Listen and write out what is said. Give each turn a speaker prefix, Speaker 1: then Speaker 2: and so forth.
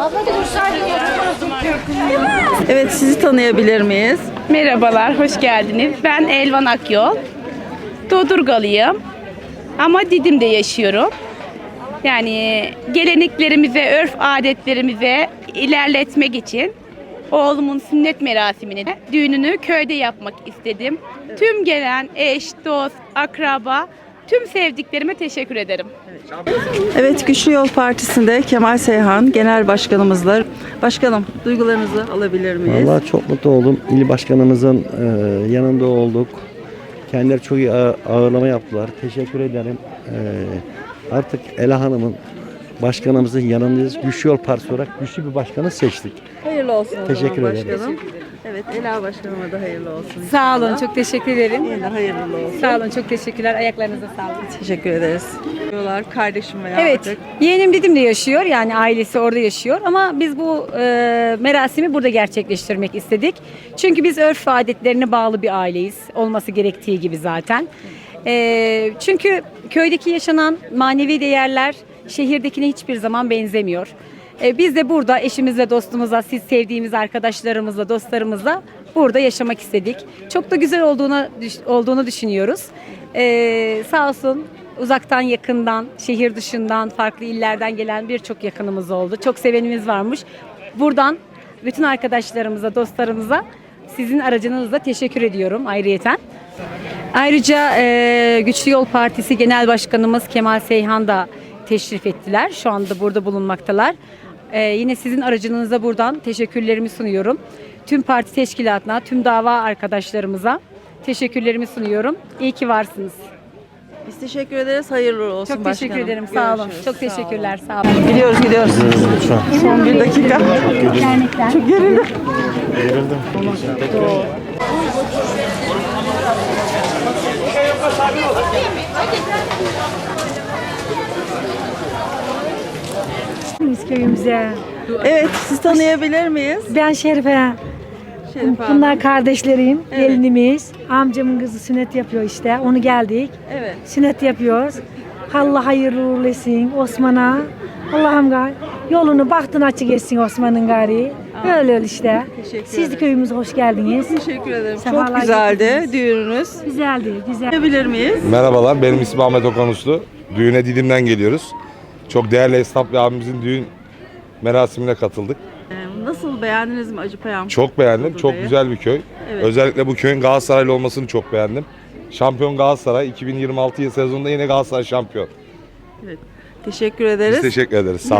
Speaker 1: Evet, sizi tanıyabilir miyiz?
Speaker 2: Merhabalar, hoş geldiniz. Ben Elvan Akyol. Dodurgalıyım ama Didim'de yaşıyorum. Yani geleneklerimize, örf adetlerimize ilerletmek için oğlumun sünnet merasimini, düğününü köyde yapmak istedim. Tüm gelen eş, dost, akraba, tüm sevdiklerime teşekkür ederim.
Speaker 1: Evet, Güçlü Yol Partisi'nde Kemal Seyhan Genel Başkanımızla. Başkanım, duygularınızı alabilir miyiz?
Speaker 3: Vallahi çok mutlu oldum. İl başkanımızın yanında olduk. Kendileri çok iyi ağırlama yaptılar. Teşekkür ederim. Artık Ela Hanım'ın başkanımızın yanındayız. Güçlü Yol Partisi olarak güçlü bir başkanı seçtik.
Speaker 1: Hayırlı olsun o
Speaker 3: Teşekkür
Speaker 1: zaman
Speaker 3: ederim.
Speaker 1: başkanım. Evet, Ela Başkanıma da hayırlı olsun.
Speaker 4: Sağ olun, çok teşekkür ederim.
Speaker 1: Yine hayırlı olsun.
Speaker 4: Sağ olun, çok teşekkürler. Ayaklarınıza sağlık.
Speaker 1: Teşekkür ederiz. Diyorlar kardeşim veya
Speaker 4: Evet,
Speaker 1: artık.
Speaker 4: yeğenim Didim'de yaşıyor. Yani ailesi orada yaşıyor. Ama biz bu merasimi burada gerçekleştirmek istedik. Çünkü biz örf ve adetlerine bağlı bir aileyiz. Olması gerektiği gibi zaten. Çünkü köydeki yaşanan manevi değerler şehirdekine hiçbir zaman benzemiyor. Biz de burada eşimizle, dostumuzla, siz sevdiğimiz arkadaşlarımızla, dostlarımızla burada yaşamak istedik. Çok da güzel olduğunu düşünüyoruz. Sağ olsun uzaktan, yakından, şehir dışından, farklı illerden gelen birçok yakınımız oldu. Çok sevenimiz varmış. Buradan bütün arkadaşlarımıza, dostlarımıza sizin aracınızla teşekkür ediyorum ayrıyeten. Ayrıca Güçlü Yol Partisi Genel Başkanımız Kemal Seyhan da teşrif ettiler. Şu anda burada bulunmaktalar. Yine sizin aracınıza buradan teşekkürlerimi sunuyorum. Tüm parti teşkilatına, tüm dava arkadaşlarımıza teşekkürlerimi sunuyorum. İyi ki varsınız.
Speaker 1: Biz teşekkür ederiz. Hayırlı olsun
Speaker 4: Çok
Speaker 1: başkanım.
Speaker 4: teşekkür ederim. Sağ olun.
Speaker 1: Görüşürüz.
Speaker 4: Çok
Speaker 1: Sağ olun.
Speaker 4: teşekkürler. Sağ olun.
Speaker 1: Gidiyoruz. Son bir dakika. Çok gerildim.
Speaker 5: Biz köyümüze.
Speaker 1: Evet, siz tanıyabilir miyiz?
Speaker 5: Ben Şerife.
Speaker 1: Şerif Hanım.
Speaker 5: Bunlar kardeşlerim,
Speaker 1: Evet.
Speaker 5: gelinimiz. Amcamın kızı sünnet yapıyor işte. Onu geldik.
Speaker 1: Evet.
Speaker 5: Sünnet yapıyoruz. Allah hayırlı uğurlu etsin Osman'a. Allah'ım yolunu bahtını açık etsin Osman'ın gari. Öyle işte.
Speaker 1: Teşekkür
Speaker 5: Siz de
Speaker 1: ederim.
Speaker 5: köyümüze hoş geldiniz.
Speaker 1: Teşekkür ederim.
Speaker 5: Sefalar
Speaker 1: Çok güzeldi
Speaker 5: getirdiniz.
Speaker 1: düğününüz.
Speaker 5: Güzeldi, güzel.
Speaker 1: Tanıyabilir miyiz?
Speaker 6: Merhabalar, benim ismim Ahmet Okan Uslu. Düğüne Didim'den geliyoruz. Çok değerli esnaf bir abimizin düğün merasimine katıldık.
Speaker 1: Nasıl, beğendiniz mi Acıpayam?
Speaker 6: Çok beğendim, çok
Speaker 1: Dodurga'yı?
Speaker 6: güzel bir köy.
Speaker 1: Evet.
Speaker 6: Özellikle bu köyün Galatasaraylı olmasını çok beğendim. Şampiyon Galatasaray, 2026 sezonunda yine Galatasaray şampiyon.
Speaker 1: Teşekkür ederiz.
Speaker 6: Biz teşekkür ederiz, sağ olun.